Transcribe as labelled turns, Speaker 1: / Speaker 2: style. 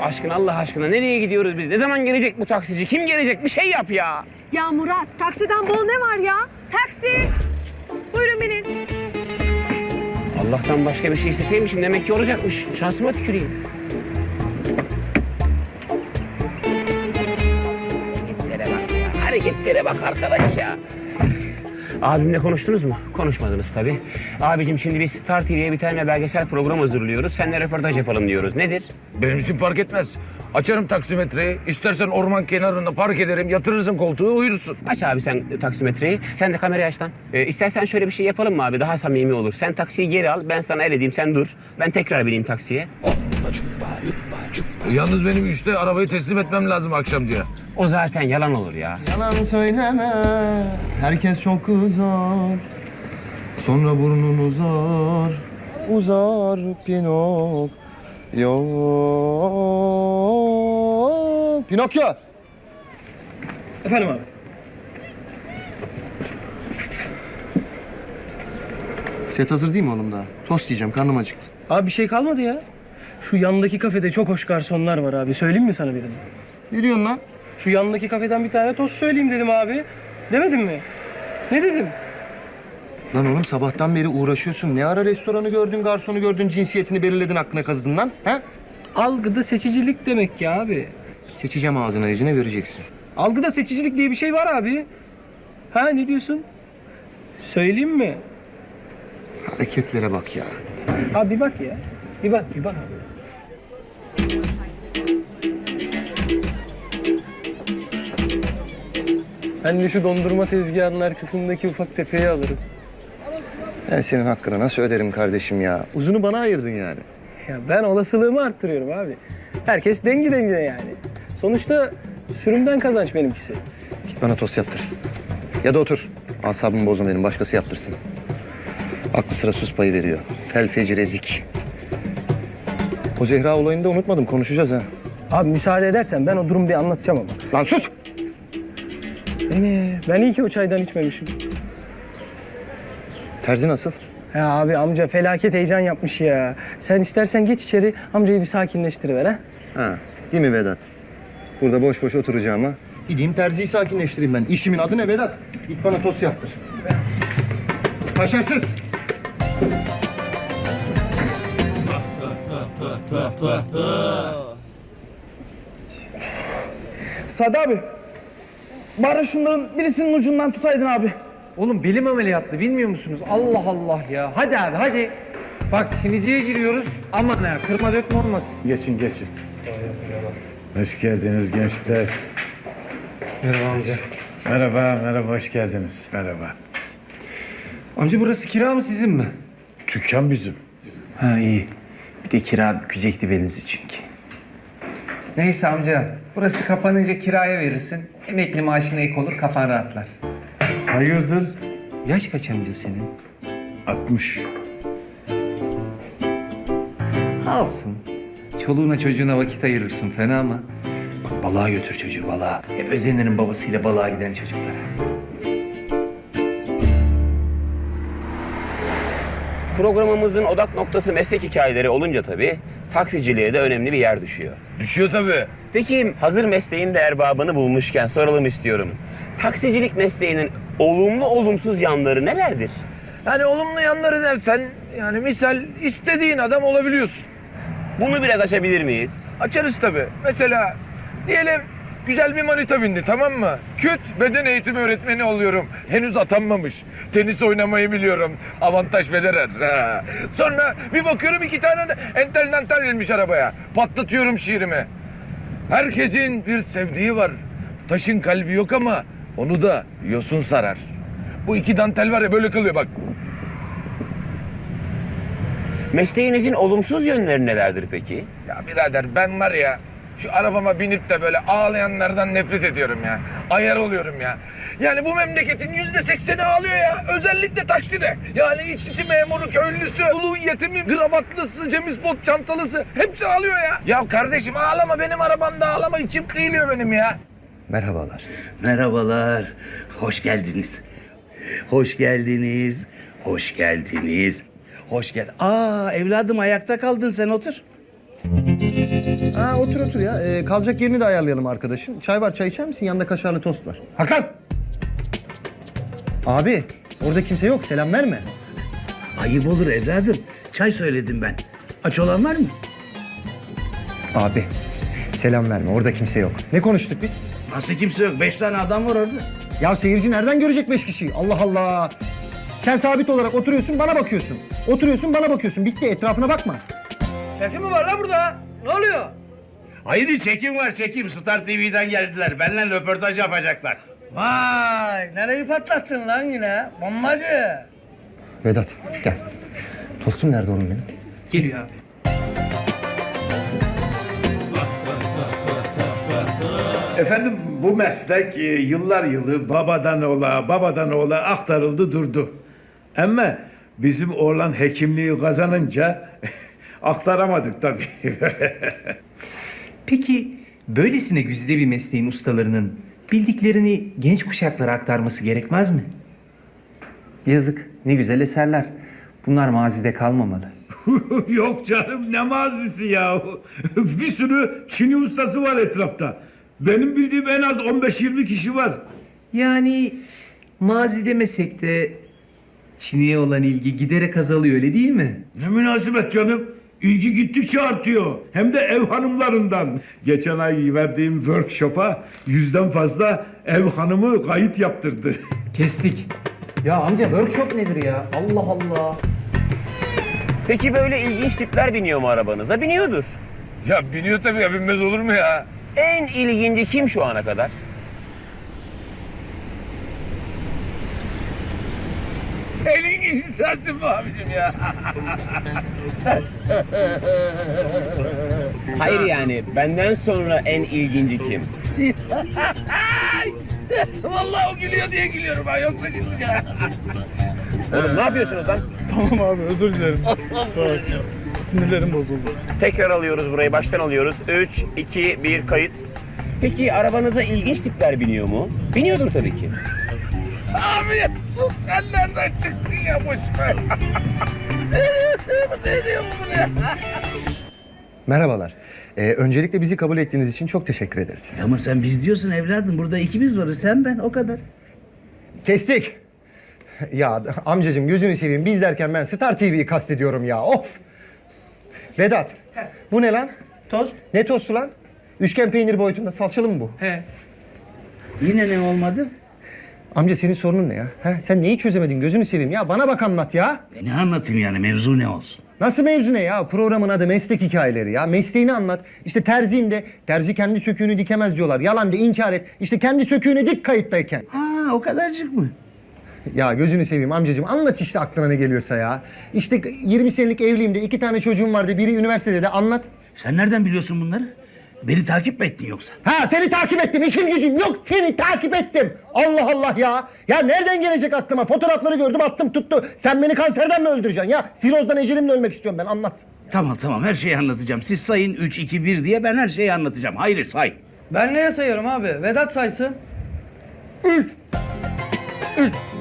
Speaker 1: aşkına, Allah aşkına nereye gidiyoruz biz? Ne zaman gelecek bu taksici? Kim gelecek? Bir şey yap ya.
Speaker 2: Ya Murat, taksiden bol ne var ya? Taksi! Buyurun binin.
Speaker 1: Allah'tan başka bir şey isteseymişim demek ki olacakmış. Şansıma tüküreyim. Hareketlere bak ya. Hareketlere bak arkadaş ya. Abimle konuştunuz mu? Konuşmadınız tabii. Abicim şimdi biz Star TV'ye bir tane belgesel program hazırlıyoruz. Seninle röportaj yapalım diyoruz. Nedir?
Speaker 3: Benim için fark etmez. Açarım taksimetreyi. İstersen orman kenarında park ederim. Yatırırsın koltuğu, uyursun.
Speaker 1: Aç abi sen taksimetreyi. Sen de kamerayı aç lan. İstersen şöyle bir şey yapalım mı abi? Daha samimi olur. Sen taksiyi geri al. Ben sana el edeyim. Sen dur. Ben tekrar bineyim taksiye.
Speaker 3: Yalnız benim 3'te arabayı teslim etmem lazım akşamcıya.
Speaker 1: O zaten yalan olur ya.
Speaker 4: Yalan söyleme, herkes çok kızar. Sonra burnun uzar, uzar Pinokyo. Pinokyo!
Speaker 5: Efendim abi.
Speaker 4: Set hazır değil mi oğlum daha? Tost yiyeceğim, karnım acıktı.
Speaker 5: Abi bir şey kalmadı ya. Şu yandaki kafede çok hoş garsonlar var abi. Söyleyeyim mi sana birini?
Speaker 4: Ne diyorsun lan?
Speaker 5: Şu yandaki kafeden bir tane tost söyleyeyim dedim abi. Demedim mi? Ne dedim?
Speaker 4: Lan oğlum sabahtan beri uğraşıyorsun. Ne ara restoranı gördün, garsonu gördün, cinsiyetini belirledin, aklına kazıdın lan? He?
Speaker 5: Algıda seçicilik demek ki abi.
Speaker 4: Seçeceğim ağzına yüzüne vereceksin.
Speaker 5: Algıda seçicilik diye bir şey var abi. Ha ne diyorsun? Söyleyeyim mi?
Speaker 4: Hareketlere bak ya.
Speaker 5: Abi bir bak ya. Bir bak abi. Ben de şu dondurma tezgahının arkasındaki ufak tefeyi alırım.
Speaker 4: Ben senin hakkını nasıl öderim kardeşim ya? Uzunu bana ayırdın yani.
Speaker 5: Ya ben olasılığımı arttırıyorum abi. Herkes dengi dengine yani. Sonuçta sürümden kazanç benimkisi.
Speaker 4: Git bana tost yaptır. Ya da otur. Asabımı bozma benim, başkası yaptırsın. Aklı sıra sus payı veriyor. Fel feci rezik. O Zehra olayını da unutmadım, konuşacağız ha.
Speaker 5: Abi müsaade edersen ben o durumu bir anlatacağım ama.
Speaker 4: Lan sus!
Speaker 5: Ben iyi ki o çaydan içmemişim.
Speaker 4: Terzi nasıl?
Speaker 5: Ya abi amca felaket heyecan yapmış ya. Sen istersen geç içeri amcayı bir sakinleştiriver ha.
Speaker 4: Ha, değil mi Vedat? Burada boş boş oturacağıma gideyim terziyi sakinleştireyim ben. İşimin adı ne Vedat? Git bana tost yaptır. Kaşarsız!
Speaker 6: Sadi abi. Bari şunların birisinin ucundan tutaydın abi.
Speaker 7: Oğlum belim ameliyatlı bilmiyor musunuz? Allah Allah ya. Hadi abi hadi. Bak Çinici'ye giriyoruz. Aman ha kırma dökme olmasın.
Speaker 8: Geçin geçin. Hoş geldiniz gençler.
Speaker 7: Merhaba amca.
Speaker 8: Merhaba, hoş geldiniz. Merhaba.
Speaker 7: Amca burası kira mı sizin mi?
Speaker 8: Dükkan bizim.
Speaker 7: Ha iyi. Bir de kira bükecekti belinizi çünkü. Neyse amca. Burası kapanınca kiraya verirsin. Emekli maaşına ek olur kafan rahatlar.
Speaker 8: Hayırdır?
Speaker 7: Yaş kaç amca senin?
Speaker 8: 60.
Speaker 7: Alsın. Çoluğuna çocuğuna vakit ayırırsın fena mı? Bak balığa götür çocuğu balığa. Hep özenlerin babasıyla balığa giden çocuklara.
Speaker 1: Programımızın odak noktası meslek hikayeleri olunca tabii taksiciliğe de önemli bir yer düşüyor.
Speaker 3: Düşüyor tabii.
Speaker 1: Peki hazır mesleğin de erbabını bulmuşken soralım istiyorum. Taksicilik mesleğinin olumlu olumsuz yanları nelerdir?
Speaker 3: Yani olumlu yanları dersen yani misal istediğin adam olabiliyorsun.
Speaker 1: Bunu biraz açabilir miyiz?
Speaker 3: Açarız tabii. Mesela diyelim güzel bir manita bindi, tamam mı? Küt beden eğitimi öğretmeni oluyorum. Henüz atanmamış. Tenis oynamayı biliyorum. Avantaj Federer. Ha. Sonra bir bakıyorum 2 tane de entel dantel gelmiş arabaya. Patlatıyorum şiirimi. Herkesin bir sevdiği var. Taşın kalbi yok ama onu da yosun sarar. Bu 2 dantel var ya böyle kalıyor bak.
Speaker 1: Mesleğinizin olumsuz yönleri nelerdir peki?
Speaker 3: Ya birader ben var ya şu arabama binip de böyle ağlayanlardan nefret ediyorum ya. Ayar oluyorum ya. Yani bu memleketin %80'i ağlıyor ya. Özellikle takside. Yani işçi memuru, köylüsü, ulu yetimi, gravatlısı, James Bond çantalısı. Hepsi ağlıyor ya. Ya kardeşim ağlama benim arabamda ağlama. İçim kıyılıyor benim ya.
Speaker 4: Merhabalar.
Speaker 9: Merhabalar. Hoş geldiniz. Hoş geldiniz. Hoş geldiniz. Hoş gel. Aa evladım ayakta kaldın sen otur.
Speaker 4: Ha otur otur ya. Kalacak yerini de ayarlayalım arkadaşın. Çay var, çay içer misin? Yanında kaşarlı tost var. Hakan! Abi orada kimse yok. Selam verme.
Speaker 9: Ayıp olur evladım. Çay söyledim ben. Aç olan var mı?
Speaker 4: Abi selam verme. Orada kimse yok. Ne konuştuk biz?
Speaker 9: Nasıl kimse yok? 5 tane adam var orada.
Speaker 4: Ya seyirci nereden görecek 5 kişiyi? Allah Allah. Sen sabit olarak oturuyorsun, bana bakıyorsun. Oturuyorsun, bana bakıyorsun. Bitti, etrafına bakma.
Speaker 6: Çekim mi var la burada? Ne oluyor?
Speaker 9: Hayır çekim var çekim. Star TV'den geldiler. Benimle röportaj yapacaklar.
Speaker 6: Vay nereyi patlattın lan yine? Bombacı.
Speaker 4: Vedat, gel. Tostum nerede oğlum benim?
Speaker 5: Geliyor abi.
Speaker 8: Efendim bu meslek yıllar yılı babadan oğula aktarıldı durdu. Ama bizim oğlan hekimliği kazanınca aktaramadık tabii.
Speaker 7: Peki böylesine güzide bir mesleğin ustalarının bildiklerini genç kuşaklara aktarması gerekmez mi? Yazık, ne güzel eserler. Bunlar mazide kalmamalı.
Speaker 8: Yok canım ne mazisi ya. Bir sürü Çin'i ustası var etrafta. Benim bildiğim en az 15-20 kişi var.
Speaker 7: Yani mazi demesek de Çin'e olan ilgi giderek azalıyor, öyle değil mi?
Speaker 8: Ne münasebet canım. İlgi gittikçe artıyor. Hem de ev hanımlarından. Geçen ay verdiğim workshop'a 100'den fazla ev hanımı kayıt yaptırdı.
Speaker 7: Kestik. Ya amca workshop nedir ya? Allah Allah.
Speaker 1: Peki böyle ilginç tipler biniyor mu arabanıza? Biniyordur.
Speaker 3: Ya biniyor tabii ya, binmez olur mu ya?
Speaker 1: En ilginci kim şu ana kadar?
Speaker 3: En ilginç sensin bu abicim ya.
Speaker 1: Hayır yani benden sonra en ilginci kim?
Speaker 3: Vallahi o gülüyor diye gülüyorum ben, yoksa gülmeyeceğim.
Speaker 1: Oğlum ne yapıyorsunuz lan?
Speaker 6: Tamam abi özür dilerim. Kusura bakma. Sinirlerim bozuldu.
Speaker 1: Tekrar alıyoruz burayı, baştan alıyoruz. 3, 2, 1, kayıt. Peki arabanıza ilginç tipler biniyor mu? Biniyordur tabii ki.
Speaker 3: Abi ya sus, sen nereden çıktın ya, boş ver. Ne diyor bu ya?
Speaker 4: Merhabalar. Öncelikle bizi kabul ettiğiniz için çok teşekkür ederiz.
Speaker 9: Ama sen biz diyorsun evladım. Burada ikimiz varız. Sen ben o kadar.
Speaker 4: Kestik. Ya amcacığım gözünü seveyim. Biz derken ben Star TV'yi kastediyorum ya. Of. Vedat. Bu ne lan?
Speaker 5: Tost?
Speaker 4: Ne tostu lan? Üçgen peynir boyutunda. Salçalı mı bu?
Speaker 5: He.
Speaker 9: Yine ne olmadı?
Speaker 4: Amca senin sorunun ne ya? Ha? Sen neyi çözemedin gözünü seveyim ya? Bana bak anlat ya.
Speaker 9: Ne anlatayım yani, mevzu ne olsun?
Speaker 4: Nasıl mevzu ne ya? Programın adı meslek hikayeleri ya. Mesleğini anlat. İşte terziyim de terzi kendi söküğünü dikemez diyorlar. Yalan de inkar et. İşte kendi söküğünü dik kayıttayken.
Speaker 9: Ha o kadarcık mı?
Speaker 4: Ya gözünü seveyim amcacığım anlat işte aklına ne geliyorsa ya. İşte 20 senelik evliyim de 2 tane çocuğum vardı. Biri üniversitede de anlat.
Speaker 9: Sen nereden biliyorsun bunları? Beni takip mi ettin yoksa?
Speaker 4: Ha seni takip ettim işim gücüm yok seni takip ettim. Allah Allah ya. Ya nereden gelecek aklıma? Fotoğrafları gördüm attım tuttu. Sen beni kanserden mi öldüreceksin ya? Sirozdan ecelimle ölmek istiyorum ben anlat.
Speaker 9: Tamam her şeyi anlatacağım. Siz sayın 3, 2, 1 diye ben her şeyi anlatacağım. Hayır say.
Speaker 6: Ben neye sayıyorum abi? Vedat saysın.
Speaker 4: 3